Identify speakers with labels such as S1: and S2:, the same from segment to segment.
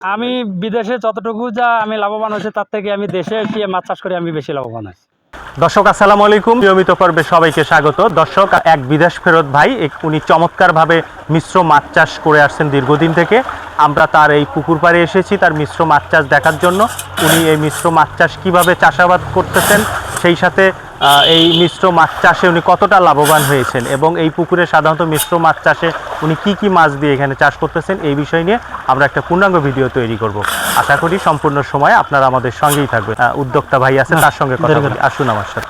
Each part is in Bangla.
S1: আমি বিদেশে যতটুকু যা আমি লাভবান হয়েছে তার থেকে আমি দেশে এসে মাছ চাষ করে আমি বেশি লাভবান হয়েছি।
S2: দর্শক আসসালামু আলাইকুম, নিয়মিত পর্বে সবাইকে স্বাগত। দর্শক, এক বিদেশ ফেরত ভাই উনি চমৎকারভাবে মিশ্র মাছ চাষ করে আসছেন দীর্ঘদিন থেকে। আমরা তার এই পুকুর পাড়ে এসেছি তার মিশ্র মাছ চাষ দেখার জন্য। উনি এই মিশ্র মাছ চাষ কীভাবে চাষাবাদ করতেছেন, সেই সাথে এই মিশ্র মাছ চাষে উনি কতটা লাভবান হয়েছেন এবং এই পুকুরে সাধারণত মিশ্র মাছ চাষে উনি কি কি মাছ দিয়ে এখানে চাষ করতেছেন, এই বিষয় নিয়ে আমরা একটা পূর্ণাঙ্গ ভিডিও তৈরি করব। আশা করি সম্পূর্ণ সময় আপনারা আমাদের সঙ্গেই থাকবেন। উদ্যোক্তা ভাই আছেন, তার সঙ্গে কথা বলি। আসুন আমার সাথে।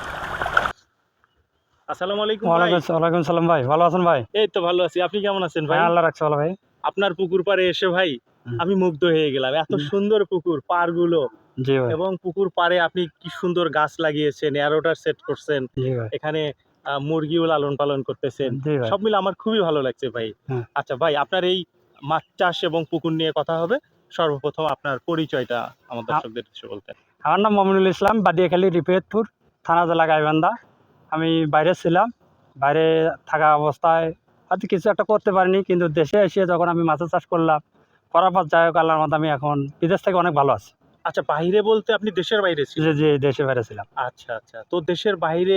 S2: আসসালামু আলাইকুম ভাই।
S1: ওয়ালাইকুম সালাম ভাই, ভালো আছেন ভাই?
S2: এই তো ভালো আছি, আপনি কেমন আছেন ভাই?
S1: আল্লাহ রাখছে ভালো ভাই।
S2: আপনার পুকুর পাড়ে এসে ভাই আমি মুগ্ধ হয়ে গেলাম। এত সুন্দর পুকুর পাড়গুলো,
S1: জি ভাই।
S2: এবং পুকুর পাড়ে আপনি কি সুন্দর গাছ লাগিয়েছেন, এরোটার সেট করছেন,
S1: জি ভাই।
S2: এখানে মুরগিও লালন পালন করতেছেন।
S1: জি ভাই।
S2: সব মিলে আমার খুবই ভালো লাগছে ভাই।
S1: হ্যাঁ।
S2: আচ্ছা ভাই, আপনার এই মাছ চাষ এবং পুকুর নিয়ে কথা হবে। সর্বপ্রথম আপনার পরিচয়টা আমার দর্শকদের কিছু বলতেন।
S1: আমার নাম মমিনুল ইসলাম, বাদিয়াখালী, রিফায়েতপুর থানা, জেলা গাইবান্ধা। আমি বাইরে ছিলাম, বাইরে থাকা অবস্থায় হয়তো কিছু একটা করতে পারিনি, কিন্তু দেশে এসে যখন আমি মাছের চাষ করলাম, করার পর যাই হোক আল্লাহর মধ্যে আমি এখন বিদেশ থেকে অনেক ভালো আছি।
S2: আচ্ছা, বাইরে বলতে আপনি দেশের বাইরে ছিলেন?
S1: জি জি, দেশে বাইরে ছিলাম।
S2: আচ্ছা আচ্ছা, তো দেশের বাইরে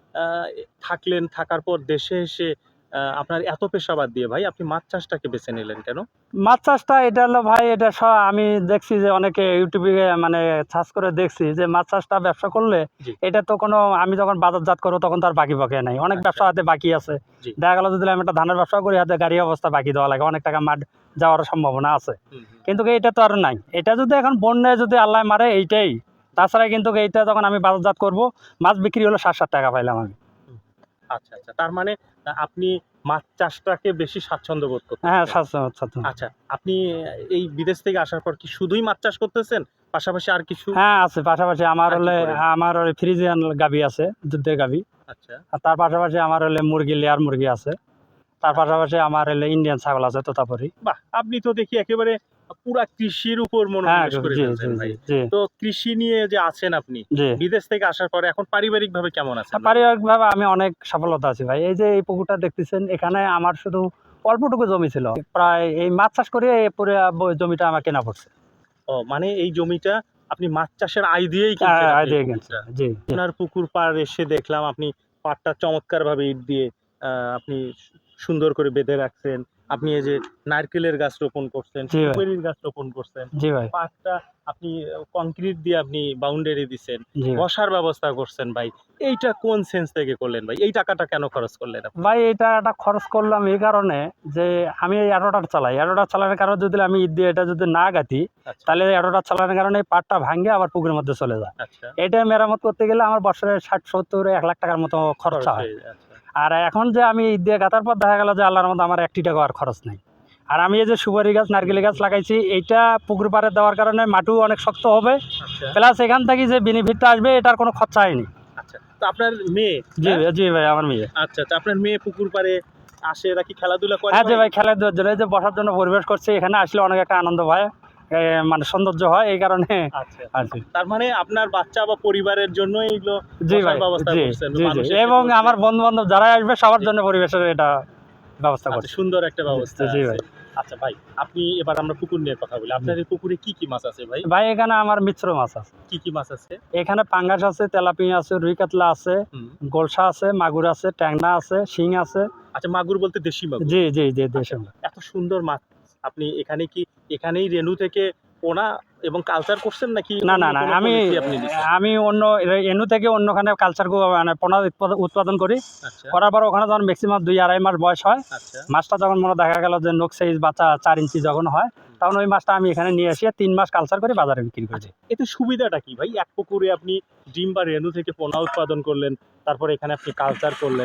S2: থাকলেন, থাকার পর দেশে এসে আপনার এত পেশাবাদ দিয়ে ভাই আপনি মাছ চাষটাকে বেছে নিলেন কেন?
S1: মাছ চাষটা এটা হলো ভাই, এটা আমি দেখছি যে অনেকে ইউটিউবে মানে সার্চ করে দেখছি যে মাছ চাষটা ব্যবসা করলে
S2: জি।
S1: এটা তো কোনো, আমি যখন বাজারজাত করবো তখন তার বাকি বকে নাই, অনেক
S2: আচ্ছা।
S1: ব্যবসা হাতে বাকি আছে।
S2: জি।
S1: দেখা গেল যদি আমি একটা ধানের ব্যবসা করি, হাতে গাড়ি অবস্থা বাকি দেওয়া লাগে, অনেক টাকা মাঠ যাওয়ার সম্ভাবনা আছে। কিন্তু এটা তো আর নাই, এটা যদি এখন বন্যায় যদি আল্লাহ মারে এইটাই। তাছাড়া কিন্তু এইটা যখন আমি বাজারজাত করবো, মাছ বিক্রি হলো 7-7 টাকা পাইলাম আমি।
S2: আচ্ছা আচ্ছা, তার মানে আপনি মাছ চাষটাকে বেশি স্বাচ্ছন্দ্য বোধ
S1: হ্যাঁ,
S2: করতেছেন। আচ্ছা, আপনি এই বিদেশ থেকে আসার পর কি শুধুই মাছ চাষ করতেছেন, পাশাপাশি আর কিছু?
S1: হ্যাঁ আছে, পাশাপাশি আমার
S2: আর কি
S1: হলে
S2: করেন?
S1: আমার ওই ফ্রিজিয়ান গাভী আছে, দুধের গাভী।
S2: আচ্ছা
S1: আর তার পাশাপাশি আমার হলে মুরগি, লেয়ার মুরগি আছে। তার পাশাপাশি আমার হলে ইন্ডিয়ান ছাগল আছে, তোতাপুরি।
S2: বাহ, আপনি তো দেখি একেবারে পুরা কৃষির উপর
S1: হ্যাঁ
S2: মনোনিবেশ করে
S1: জি জি
S2: ফেলছেন ভাই।
S1: জি জি
S2: তো কৃষি নিয়ে যে আছেন আপনি
S1: জি।
S2: বিদেশ থেকে আসার পরে, এখন পারিবারিক ভাবে কেমন আছেন ভাই?
S1: পারিবারিকভাবে আমি অনেক সফলতা আছি ভাই। এই যে এই পুকুরটা দেখতেছেন, এখানে আমার শুধু অল্পটুকু জমি ছিল, প্রায় এই মাছ চাষ করে এই পুরো জমিটা আমার কেনা পড়ছে।
S2: ও মানে এই জমিটা আপনি মাছ চাষের আয় দিয়েই কিনছেন আপনি এই পুকুরটা?
S1: জি জি
S2: আপনার পুকুর পাড় এসে দেখলাম আপনি পাড়টা চমৎকার ভাবে ইট দিয়ে আপনি সুন্দর করে বেঁধে রাখছেন। আপনি এই যে নারকেলের গাছ রোপণ করছেন,
S1: জি ভাই।
S2: সুপারির গাছ রোপণ করছেন,
S1: জি ভাই।
S2: পাড়টা আপনি কংক্রিট দিয়ে আপনি বাউন্ডারি দিচ্ছেন,
S1: জি ভাই।
S2: বসার ব্যবস্থা করছেন ভাই। এইটা কোন সেন্স থেকে করলেন ভাই? এই টাকাটা কেন খরচ করলেন আপনি?
S1: ভাই এটা একটা খরচ করলাম এই কারণে যে আমি এই অ্যাডোটার চালাই, অ্যাডোটার চালানোর কারণে যদি আমি ঈদ দিয়ে এটা যদি না গাঁথি,
S2: আচ্ছা
S1: তাহলে অ্যাডোটার চালানোর কারণে এই পাটটা ভাঙে আবার পুকুরের মধ্যে চলে যায়।
S2: আচ্ছা,
S1: এটা মেরামত করতে গেলে আমার বছরে 60-70-1 লাখ টাকার মতো
S2: খরচ
S1: খরচা হয়।
S2: হয়ে যায়। আচ্ছা
S1: আর এখন যে আমি ঈদ দিয়ে গাঁথার পর দেখা গেল যে আল্লাহর মধ্যে আমার 1 টাকা আর খরচ নেই। আর আমি এই যে সুপারি গাছ, নারকেলি গাছ লাগাইছি, এইটা পুকুর পাড়ে দেওয়ার কারণে মাটিও অনেক শক্ত হবে,
S2: আচ্ছা
S1: প্লাস এখান থেকে যে বেনিফিটটা আসবে এটার কোনো খরচা হয়নি।
S2: আচ্ছা, তো আপনার মেয়ে?
S1: জি জি ভাই, আমার মেয়ে।
S2: আচ্ছা আচ্ছা, আপনার মেয়ে পুকুর পাড়ে আসে, এরা কি খেলাধুলা করে
S1: হ্যাঁ জি
S2: ভাই?
S1: ভাই, খেলাধুলার জন্য এই যে বসার জন্য পরিবেশ করছে, এখানে আসলে অনেক একটা আনন্দ হয়, মানে সৌন্দর্য হয়, এই কারণে
S2: আচ্ছা,
S1: আর কি।
S2: তার মানে আপনার বাচ্চা বা পরিবারের জন্য এইগুলো
S1: জি
S2: বসার
S1: ভাই,
S2: ব্যবস্থা
S1: জি
S2: করছেন,
S1: জি
S2: মানুষ
S1: জি,
S2: এসে
S1: এবং
S2: বসবে।
S1: আমার বন্ধু বান্ধব যারা আসবে সবার
S2: জি।
S1: জন্য পরিবেশের এটা ব্যবস্থা
S2: আচ্ছা,
S1: করছে।
S2: সুন্দর একটা ব্যবস্থা
S1: জি
S2: আছে।
S1: ভাই।
S2: আচ্ছা ভাই, আপনি এবার আমরা পুকুর নিয়ে কথা বলি। আপনার এই পুকুরে কি কি মাছ আছে ভাই?
S1: ভাই এখানে আমার মিশ্র মাছ আছে।
S2: কি কি মাছ আছে?
S1: এখানে পাঙ্গাস আছে, তেলাপিয়া আছে, রুই কাতলা আছে,
S2: হুম।
S1: গোলসা আছে, মাগুর আছে, ট্যাংরা আছে, শিং আছে।
S2: আচ্ছা, মাগুর বলতে দেশি মাগুর?
S1: জি জি জি,
S2: আচ্ছা,
S1: দেশি।
S2: এত সুন্দর মাছ আপনি এখানে কি এখানেই রেনু থেকে পোনা এবং কালচার করছেন নাকি
S1: না
S2: অন্য
S1: না না,
S2: কোনো
S1: আমি
S2: পলিসি আপনি নিছেন?
S1: আমি অন্য এনু থেকে অন্যখানে কালচার মানে পোনা উৎপাদন করি।
S2: আচ্ছা
S1: করার পর ওখানে যখন ম্যাক্সিমাম 2-2.5 মাস বয়স হয়,
S2: আচ্ছা,
S1: মাছটা যখন মনে দেখা গেল যে নোক সাইজ বাচ্চা 4 ইঞ্চি যখন হয়, তখন ওই মাছটা আমি এখানে নিয়ে এসে 3 মাস কালচার করে বাজারে বিক্রি করি।
S2: এতে সুবিধাটা কি ভাই? এক পুকুরে আপনি ডিম বা রেনু থেকে পোনা উৎপাদন করলেন, তারপরে এখানে আপনি কালচার করলেন,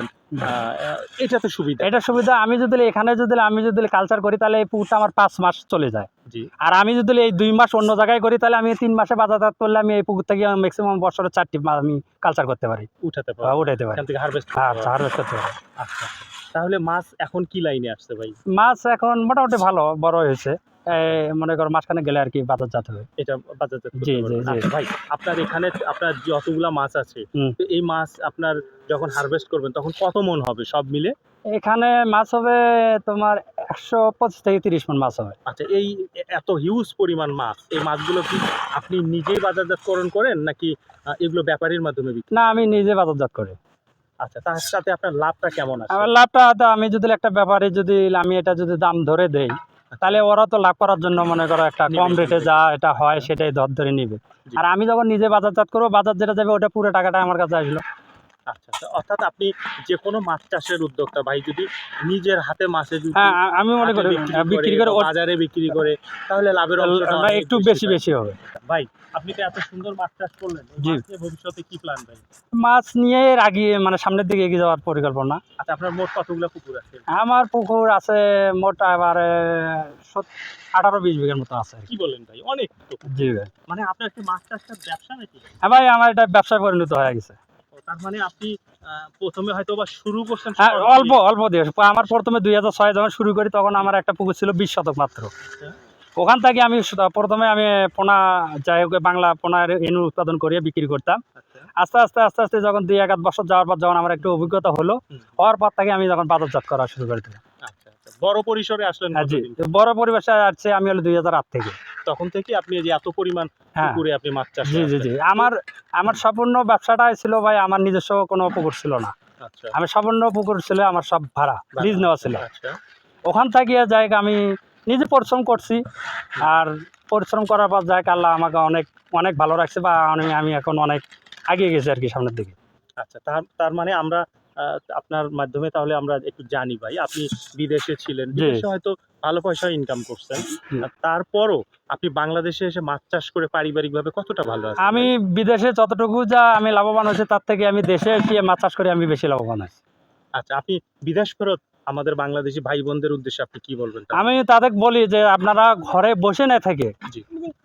S2: এটা তো সুবিধা।
S1: এটা সুবিধা, আমি যদি কালচার করি তাহলে এই পুকুরটা আমার 5 মাস চলে যায়।
S2: জি
S1: আর আমি যদি এই 2 মাস অন্য জায়গায় করি তাহলে আমি 3 মাসে বাজারজাত করলে আমি এই পুকুর থেকে ম্যাক্সিমাম বছরে 4টি মাছ আমি কালচার করতে পারি,
S2: উঠাতে পারবেন,
S1: উঠাইতে পারি।
S2: এখান থেকে হারভেস্ট
S1: হ্যাঁ,
S2: করতে পারবেন।
S1: হারভেস্ট করতে পারি।
S2: আচ্ছা আচ্ছা, তাহলে মাছ এখন কি লাইনে আসছে ভাই?
S1: মাছ এখন মোটামুটি ভালো বড় হয়েছে, মনে করো মাঝখানে গেলে আর কি বাজারজাত হবে।
S2: এটা বাজারজাত
S1: জি
S2: করতে
S1: জি
S2: পারবেন।
S1: জি।
S2: আচ্ছা ভাই, আপনার এখানে আপনার যতগুলা মাছ আছে,
S1: হুম।
S2: তো এই মাছ আপনার যখন হারভেস্ট করবেন তখন কত মন হবে সব মিলে?
S1: এখানে মাছ হবে তোমার 125 থেকে 30 মণ মাছ হবে।
S2: আচ্ছা, এই এত হিউজ পরিমাণ মাছ, এই মাছগুলো কি আপনি নিজেই বাজারজাতকরণ করেন নাকি এগুলো ব্যাপারীর মাধ্যমে বিক্রি?
S1: না, আমি নিজে বাজারজাত করি।
S2: আচ্ছা, তার সাথে আপনার লাভটা কেমন আছে?
S1: আমার লাভটা তো আমি যদি একটা ব্যাপারে যদি আমি এটা যদি দাম ধরে দেই, তাহলে ওরা তো লাভ করার জন্য মনে করো একটা কম
S2: নিবে,
S1: রেটে
S2: নিবে।
S1: যা এটা হয় সেটাই ধরে নিবে।
S2: জি।
S1: আর আমি যখন নিজে বাজারজাত করবো, বাজার যেটা যাবে ওটা পুরো টাকাটা আমার কাছে আসলো।
S2: আচ্ছা, আচ্ছা, অর্থাৎ আপনি যে কোনো মাছ চাষের উদ্যোক্তা ভাই যদি নিজের হাতে মাছে যদি
S1: হ্যাঁ, আমি মনে করি বিক্রি করে
S2: বা বাজারে বিক্রি করে তাহলে লাভের অংশটা অনেক
S1: একটু বেশি
S2: পায়।
S1: বেশি হবে।
S2: ভাই, আপনি তো এত সুন্দর মাছ চাষ করলেন, এই
S1: জি।
S2: মাছ নিয়ে ভবিষ্যতে কি প্ল্যান ভাই?
S1: মাছ নিয়ে এর আগে মানে সামনের দিকে এগিয়ে যাওয়ার পরিকল্পনা।
S2: আচ্ছা, আপনার মোট কতগুলো পুকুর আছে?
S1: আমার পুকুর আছে মোট এবারে 18-20 বিঘার মতো আছে আর কি।
S2: কি বলেন ভাই, অনেক তো।
S1: জি ভাই।
S2: মানে আপনার কি মাছ চাষটা ব্যবসা নাকি?
S1: হ্যাঁ ভাই, আমার এটা ব্যবসায় পরিণত হয়ে গেছে।
S2: ও, তার মানে আপনি প্রথমে হয়তো বা শুরু করছেন
S1: হ্যাঁ,
S2: শখ
S1: অল্প
S2: দিয়ে।
S1: অল্প দিয়ে। আমার প্রথমে 2006 যখন শুরু করি তখন আমার একটা পুকুর ছিল 20 শতক মাত্র। ওখান থেকে আমি প্রথমে আমি পোনা, যাই হোক বাংলা পোনার এনু উৎপাদন করিয়ে বিক্রি করতাম।
S2: আচ্ছা,
S1: আস্তে আস্তে আস্তে আস্তে যখন 2-1 বছর যাওয়ার পর যখন আমার একটু অভিজ্ঞতা হলো,
S2: হুম।
S1: হওয়ার পর থেকে আমি যখন বাজারজাত করা শুরু করে দিলাম।
S2: আচ্ছা, আচ্ছা, বড় পরিসরে আসলেন
S1: হ্যাঁ জি,
S2: কতদিন?
S1: বড় পরিবেশে আসছে আমি হলো 2008 থেকে।
S2: তখন থেকে আপনি এই যে এত পরিমাণ
S1: হ্যাঁ
S2: পুকুরে আপনি মাছ চাষ
S1: জি জি
S2: করছেন।
S1: জি। আমার সম্পূর্ণ ব্যবসাটাই ছিল ভাই, আমার নিজস্ব কোনো পুকুর ছিল না।
S2: আচ্ছা,
S1: আমি সম্পূর্ণ পুকুর ছিল আমার সব ভাড়া লিজ নেওয়া ছিল।
S2: আচ্ছা,
S1: ওখান থেকে যাই আমি নিজে পরিশ্রম করছি, আর পরিশ্রম করার পর যাই আল্লাহ আমাকে অনেক অনেক ভালো রাখছে, বা আমি এখন অনেক এগিয়ে গেছি আর কি সামনের দিকে।
S2: আচ্ছা, তার তার মানে আমরা আপনার মাধ্যমে তাহলে আমরা একটু জানি ভাই, আপনি বিদেশে ছিলেন,
S1: জি।
S2: বিদেশে হয়তো ভালো পয়সা ইনকাম করছেন,
S1: জি।
S2: তারপরও আপনি বাংলাদেশে এসে মাছ চাষ করে পারিবারিকভাবে কতটা ভালো আছেন
S1: আমি
S2: ভাই?
S1: বিদেশে যতটুকু যা আমি লাভবান হয়েছি তার থেকে আমি দেশে এসে মাছ চাষ করে আমি বেশি লাভবান হয়েছি।
S2: আচ্ছা, আপনি বিদেশ ফেরত আমাদের বাংলাদেশি ভাই বোনদের উদ্দেশ্যে আপনি কি বলবেন তাহলে?
S1: আমি তাদের বলি যে আপনারা ঘরে বসে না থেকে
S2: জি।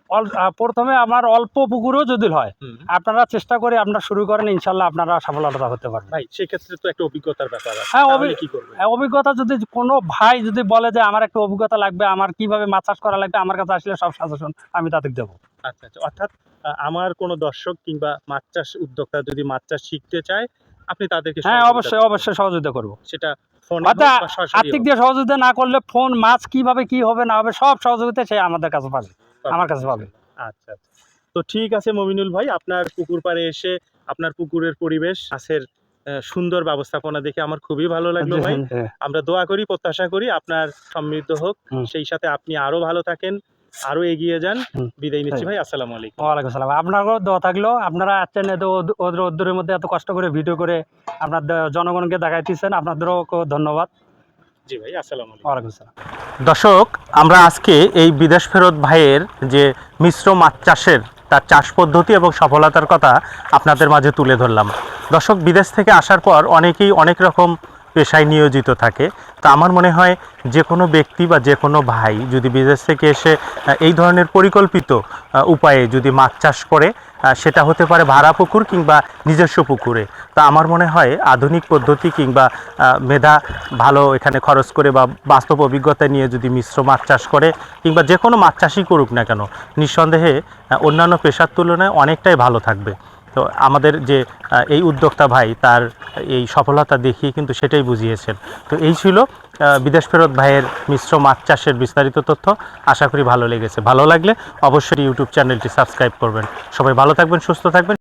S1: প্রথমে আমার অল্প পুকুরও যদি হয়,
S2: হুম।
S1: আপনারা চেষ্টা করে আপনারা শুরু করেন, ইনশাল্লাহ আপনারা সফলতা হতে পারবেন।
S2: ভাই, সেক্ষেত্রে তো একটা অভিজ্ঞতার ব্যাপার আছে,
S1: হ্যাঁ,
S2: তাহলে কি করবেন?
S1: অভিজ্ঞতা যদি কোনো ভাই যদি বলে যে আমার একটা অভিজ্ঞতা লাগবে, আমার কিভাবে মাছ চাষ করা লাগবে, আমার কাছে আসলে সব সাজেশন আমি তাদের দেবো।
S2: আচ্ছা, আচ্ছা, অর্থাৎ আমার কোনো দর্শক কিংবা মাছ চাষ উদ্যোক্তা যদি মাছ চাষ শিখতে চায়, আপনি তাদেরকে
S1: হ্যাঁ,
S2: সহযোগিতা
S1: অবশ্যই
S2: করবেন।
S1: অবশ্যই সহযোগিতা করবো।
S2: সেটা ফোনে
S1: অর্থাৎ
S2: হোক বা সরাসরি
S1: আর্থিক
S2: হোক।
S1: দিয়ে সহযোগিতা না করলে ফোন মাছ কিভাবে কি হবে না হবে সব সহযোগিতা সে আমাদের কাছে পাবে, আমার কাছে পাবে।
S2: আচ্ছা, আচ্ছা। তো ঠিক আছে মমিনুল ভাই, আপনার পুকুর পাড়ে এসে আপনার পুকুরের পরিবেশ, মাছের সুন্দর ব্যবস্থাপনা দেখে আমার খুবই ভালো লাগলো ভাই।
S1: হ্যাঁ,
S2: আমরা দোয়া করি, প্রত্যাশা করি আপনার সমৃদ্ধ হোক,
S1: হুম।
S2: সেই সাথে আপনি আরো ভালো থাকেন, আরো এগিয়ে যান।
S1: হুম।
S2: বিদায় নিচ্ছি ভাই, আসসালামু আলাইকুম।
S1: ওয়ালাইকুম সালাম। আপনারও দোয়া থাকলো, আপনারা আসছেন এত ওদের মধ্যে এত কষ্ট করে ভিডিও করে আপনার জনগণকে দেখাইতেছেন, আপনাদেরও ধন্যবাদ।
S2: জি ভাই, আসসালামু আলাইকুম।
S1: ওয়ালাইকুম সালাম।
S2: দর্শক, আমরা আজকে এই বিদেশ ফেরত ভাইয়ের যে মিশ্র মাছ চাষের তার চাষ পদ্ধতি এবং সফলতার কথা আপনাদের মাঝে তুলে ধরলাম। দর্শক, বিদেশ থেকে আসার পর অনেকেই অনেক রকম পেশায় নিয়োজিত থাকে। তা আমার মনে হয় যে কোনো ব্যক্তি বা যে কোনো ভাই যদি বিদেশ থেকে এসে এই ধরনের পরিকল্পিত উপায়ে যদি মাছ চাষ করে, সেটা হতে পারে ভাড়া পুকুর কিংবা নিজস্ব পুকুরে। তা আমার মনে হয় আধুনিক পদ্ধতি কিংবা মেধা ভালো এখানে খরচ করে বা বাস্তব অভিজ্ঞতা নিয়ে যদি মিশ্র মাছ চাষ করে কিংবা যে কোনো মাছ চাষই করুক না কেন, নিঃসন্দেহে অন্যান্য পেশার তুলনায় অনেকটাই ভালো থাকবে। তো আমাদের যে এই উদ্যোক্তা ভাই তার এই সফলতা দেখিয়ে কিন্তু সেটাই বুঝিয়েছেন। তো এই ছিল বিদেশ ফেরত ভাইয়ের মিশ্র মাছ চাষের বিস্তারিত তথ্য। আশা করি ভালো লেগেছে। ভালো লাগলে অবশ্যই ইউটিউব চ্যানেলটি সাবস্ক্রাইব করবেন। সবাই ভালো থাকবেন, সুস্থ থাকবেন।